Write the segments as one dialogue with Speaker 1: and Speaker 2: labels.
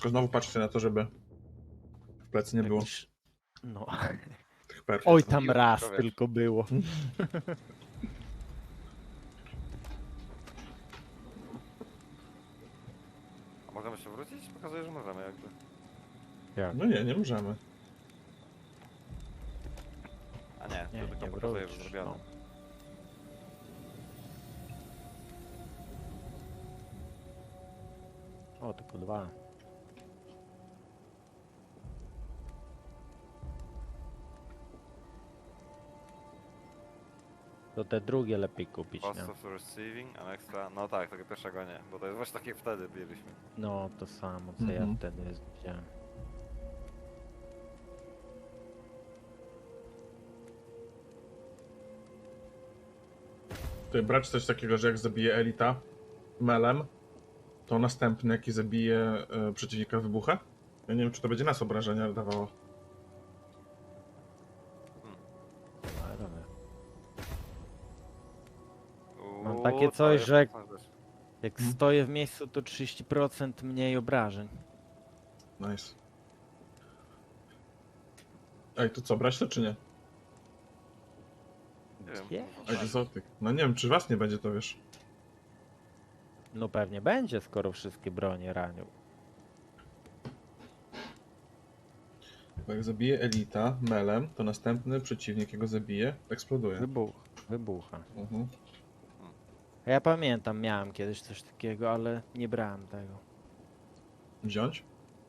Speaker 1: Tylko znowu patrzcie na to, żeby w plecy nie było
Speaker 2: No.
Speaker 1: tych perfów.
Speaker 2: Oj, tam
Speaker 3: Miło,
Speaker 2: raz
Speaker 3: człowiek.
Speaker 2: tylko było.
Speaker 3: A możemy się wrócić? Pokazuje, że możemy jakby.
Speaker 2: Jak?
Speaker 1: No nie możemy.
Speaker 3: A nie,
Speaker 2: Nie,
Speaker 3: to tylko
Speaker 2: nie
Speaker 3: pokazuje, że
Speaker 2: wrócisz,
Speaker 3: zrobione.
Speaker 2: no. O, tylko 2. To te drugie lepiej kupić,
Speaker 3: Cost
Speaker 2: nie?
Speaker 3: of receiving, an extra... No tak, tego pierwszego nie, bo to jest właśnie tak jak wtedy biegliśmy.
Speaker 2: No, to samo, co ja
Speaker 1: Mhm.
Speaker 2: wtedy widziałem.
Speaker 1: Tutaj brać coś takiego, że jak zabije elita melem, to następny jaki zabije przeciwnika wybucha? Ja nie wiem, czy to będzie nas obrażenia dawało.
Speaker 2: Ale dobra. Mam
Speaker 3: Uuu,
Speaker 2: takie
Speaker 3: to
Speaker 2: coś,
Speaker 3: jest
Speaker 2: że jak-
Speaker 3: mocna rzecz.
Speaker 2: Jak
Speaker 1: Mhm.
Speaker 2: stoję w miejscu, to 30% mniej obrażeń.
Speaker 1: Nice. Ej, to co, brać to czy nie?
Speaker 3: Nie wiem.
Speaker 2: Nie.
Speaker 1: Ej, egzotyk. No nie wiem, czy was nie będzie, to wiesz.
Speaker 2: No pewnie będzie, skoro wszystkie bronie ranią.
Speaker 1: Bo jak zabije elita melem, to następny przeciwnik, jego zabije, eksploduje.
Speaker 2: Wybucha.
Speaker 1: Mhm.
Speaker 2: A ja pamiętam, miałem kiedyś coś takiego, ale nie brałem tego.
Speaker 1: Wziąć?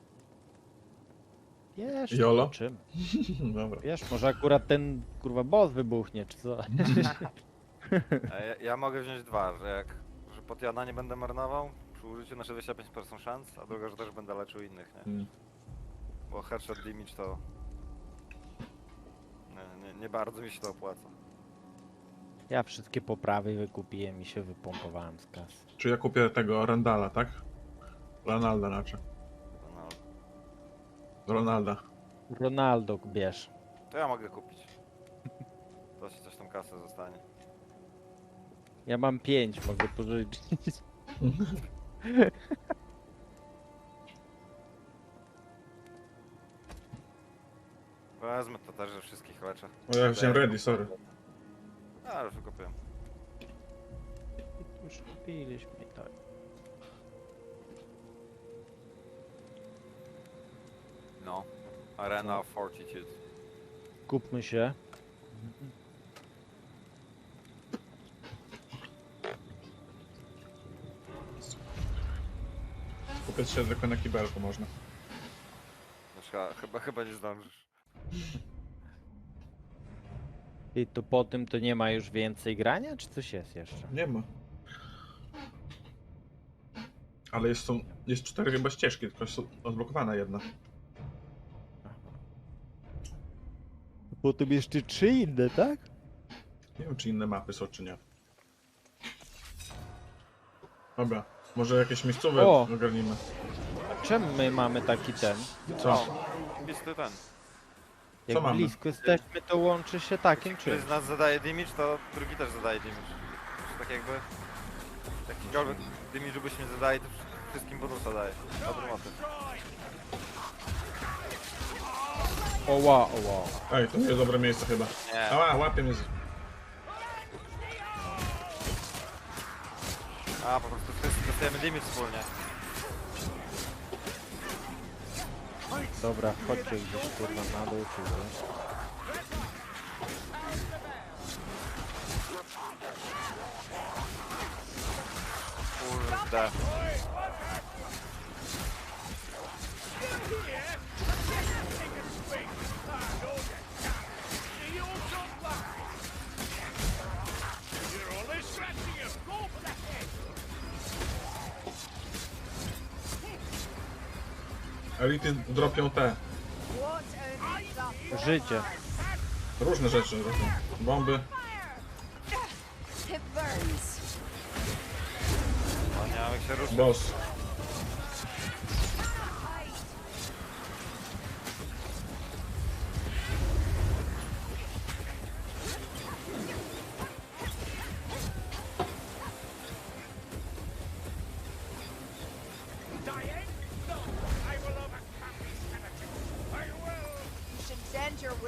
Speaker 2: Wiesz,
Speaker 1: Jolo?
Speaker 2: czym?
Speaker 1: Dobra.
Speaker 2: Wiesz, może akurat ten kurwa boss wybuchnie, czy co?
Speaker 3: A ja mogę wziąć dwa, że Potiana nie będę marnował przy użyciu na 65% szans, a druga, że też będę leczył innych, nie?
Speaker 1: Mm.
Speaker 3: Bo headshot damage to... Nie bardzo mi się to opłaca.
Speaker 2: Ja wszystkie poprawy wykupiłem i się wypompowałem z kasy.
Speaker 1: Czy ja kupię tego Randala, tak? Ronalda znaczy.
Speaker 3: No,
Speaker 1: Ronalda.
Speaker 2: Ronaldo bierz.
Speaker 3: to ja mogę kupić. To ci coś tam kasę zostanie.
Speaker 2: Ja mam 5, mogę pożyczyć.
Speaker 3: Wezmę to też, że wszystkich leczę.
Speaker 1: O, ja wziąłem ready, sorry.
Speaker 3: A, już wykupiłem.
Speaker 2: Już kupiliśmy i tak.
Speaker 3: No. Arena of Fortitude.
Speaker 2: Kupmy się.
Speaker 1: Kupię się tylko na kibelku można.
Speaker 3: Chyba nie zdążysz.
Speaker 2: I to po tym to nie ma już więcej grania, czy coś jest jeszcze?
Speaker 1: Nie ma. Ale jest 4 chyba ścieżki, tylko jest odblokowana jedna.
Speaker 2: Potem jeszcze 3 inne, tak?
Speaker 1: Nie wiem, czy inne mapy są, czy nie. Dobra, może jakieś miejscowe
Speaker 2: O!
Speaker 1: ogarnimy.
Speaker 2: Czemu my mamy taki ten?
Speaker 1: Co?
Speaker 3: Pisty ten.
Speaker 2: Jak
Speaker 1: mamy?
Speaker 2: blisko jesteśmy, to łączy się takim
Speaker 3: Który
Speaker 2: czymś.
Speaker 3: z nas zadaje damage, to drugi też zadaje damage. Czy tak jakby... Jakikolwiek damage, żebyśmy zadali, to wszystkim bonusa daje. Dobry motyw.
Speaker 2: Oła.
Speaker 1: Ej, to jest dobre miejsce chyba.
Speaker 3: Nie.
Speaker 1: Ała, łapie mnie.
Speaker 3: A, po prostu wszyscy dostajemy damage wspólnie.
Speaker 2: Dobra, chodźcie gdzieś kurwa na dół, czy coś.
Speaker 3: Kurde.
Speaker 1: Elity dropią te
Speaker 2: Życie.
Speaker 1: różne rzeczy. Dropią. Bomby.
Speaker 4: It burns.
Speaker 3: No nie mam jak się ruszyć.
Speaker 1: Boss.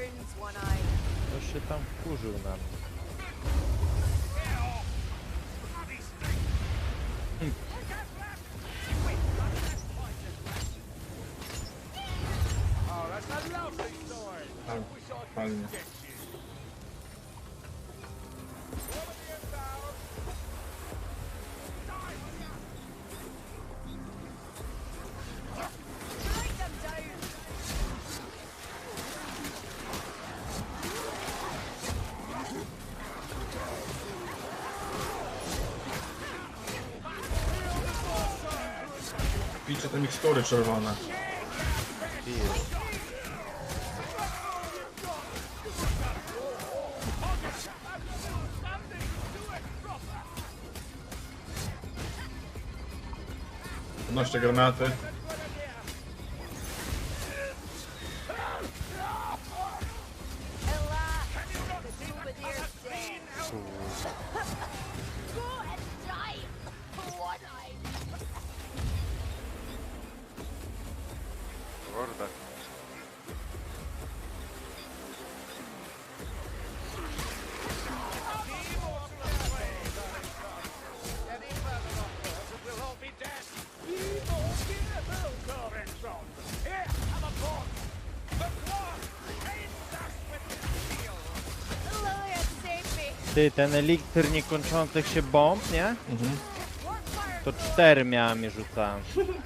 Speaker 4: burns, One-Eye.
Speaker 2: Ktoś się tam wkurzył na mnie.
Speaker 1: Tak, fajnie.
Speaker 4: Strike them down.
Speaker 1: Pijcie te mikstury czerwone.
Speaker 2: Pijesz.
Speaker 1: Podnoście granaty.
Speaker 4: Ella, the Troubadier's dead. Go and die, One-Eye.
Speaker 3: Kurde.
Speaker 4: Lillian, save me.
Speaker 2: Ty, ten eliksir niekończących się bomb, nie?
Speaker 1: Mhm.
Speaker 4: Workfire.
Speaker 2: To 4 miałem i rzucałem.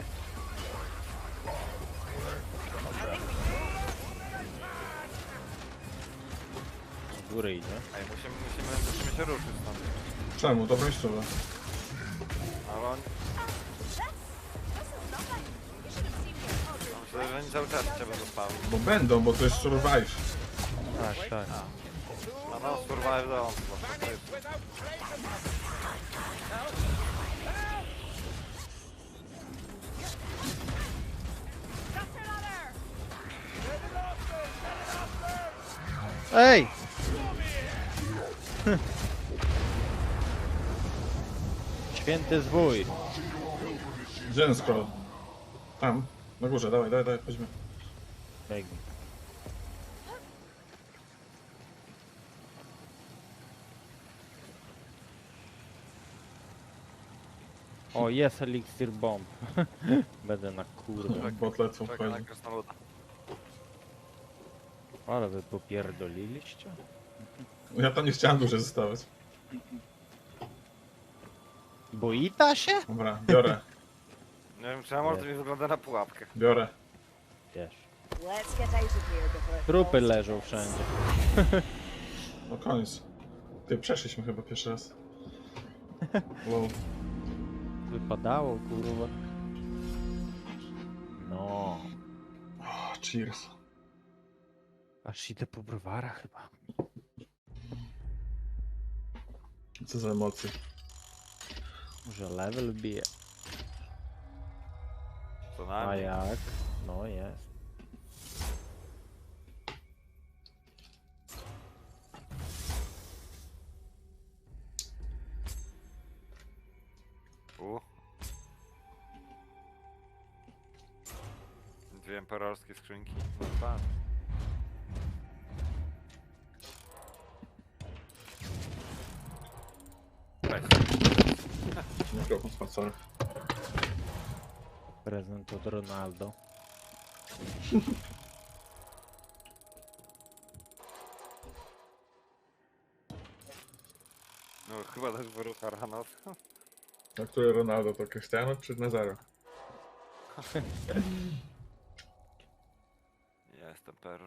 Speaker 2: Z góry idzie.
Speaker 3: Ej, musimy się ruszyć stąd.
Speaker 1: Czemu? To miejscowe.
Speaker 3: Ale on,
Speaker 4: This is nothing. You should have seen me. Oh, dude.
Speaker 3: myślę, że oni cały czas cię będą spały.
Speaker 1: Bo będą, bo to jest survive.
Speaker 2: Tak, tak.
Speaker 3: No no, survive the onslaught. To jest-
Speaker 4: That's another.
Speaker 2: Ej! Święty zwój.
Speaker 1: Gdzie ten scroll? Tam, na górze, dawaj, dawaj, dawaj, chodźmy.
Speaker 2: Biegnij. O, jest eliksir bomb. Będę na kurde.
Speaker 1: Bot lecą,
Speaker 3: Czekaj na
Speaker 1: wchodzi.
Speaker 3: krasnoluda.
Speaker 2: Ale wy popierdoliliście?
Speaker 1: Ja tam nie chciałem dłużej zostawać.
Speaker 2: Boita się?
Speaker 1: Dobra, biorę,
Speaker 3: Nie wiem, czy Amor to mi wygląda na pułapkę.
Speaker 1: biorę.
Speaker 2: Wiesz.
Speaker 4: Let's get out of here before it
Speaker 2: Trupy
Speaker 4: falls.
Speaker 2: leżą wszędzie.
Speaker 1: No koniec. Ty, przeszliśmy chyba pierwszy raz. Wow.
Speaker 2: Wypadało, kurwa. No.
Speaker 1: Oh, cheers.
Speaker 2: Aż idę po browara chyba.
Speaker 1: Co za emocje.
Speaker 2: Może level bije.
Speaker 3: Co
Speaker 2: A
Speaker 3: najmniej.
Speaker 2: jak? No jest.
Speaker 3: Dwie emperorskie skrzynki. No tak. Weź.
Speaker 1: Mikrofon spadł, sorry.
Speaker 2: Prezent od Ronaldo.
Speaker 3: No chyba też wyrucha rano.
Speaker 1: A który Ronaldo, to Cristiano czy Nazaro?
Speaker 3: Jest emperor.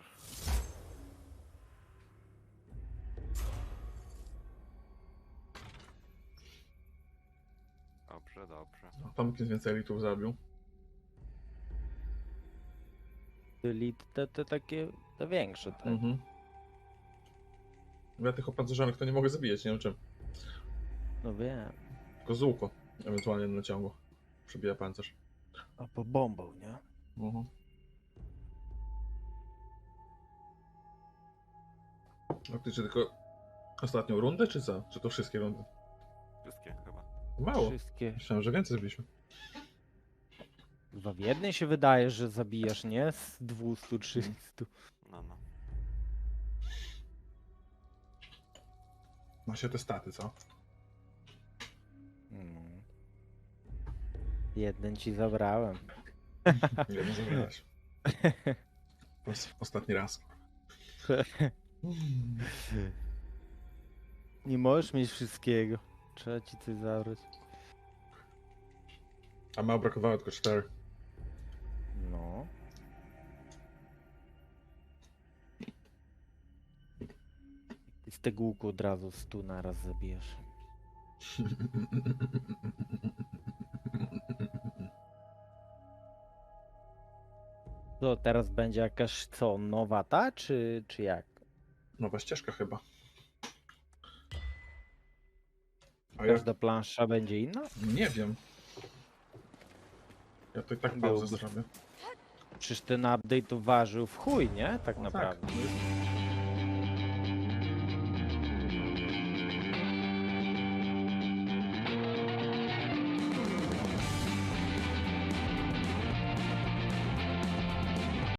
Speaker 3: Dobrze, dobrze.
Speaker 1: No, Tomkins więcej elitów zabił.
Speaker 2: Czyli te takie, te większe te.
Speaker 1: Mhm. Ja tych opancerzonych to nie mogę zabijać, nie wiem czym.
Speaker 2: No wiem.
Speaker 1: Tylko z łuku, ewentualnie na ciągu. Przebija pancerz.
Speaker 2: A po bombą, nie?
Speaker 1: Mhm. A ty czy tylko ostatnią rundę, czy co? Czy to wszystkie rundy?
Speaker 3: Wszystkie chyba.
Speaker 1: Mało.
Speaker 2: Wszystkie.
Speaker 1: Myślałem, że więcej zrobiliśmy.
Speaker 2: Chyba w jednej się wydaje, że zabijasz, nie? Z 200, 300.
Speaker 3: No, no.
Speaker 1: Ma się te staty, co?
Speaker 2: Mm. Jeden ci zabrałem.
Speaker 1: Nie nie zabrałeś. Ostatni raz.
Speaker 2: Nie możesz mieć wszystkiego. Trzeba ci coś zabrać.
Speaker 1: A mało brakowało tylko 4.
Speaker 2: No. I z tego łuku od razu 100 naraz zabijesz. To teraz będzie jakaś co, nowa ta, czy jak?
Speaker 1: Nowa ścieżka chyba. A ja
Speaker 2: Każda plansza będzie inna?
Speaker 1: nie wiem. Ja to i tak pauzę
Speaker 2: Byłby.
Speaker 1: zrobię.
Speaker 2: Przecież ten update to ważył w chuj, nie? Tak
Speaker 1: No
Speaker 2: naprawdę.
Speaker 1: Tak,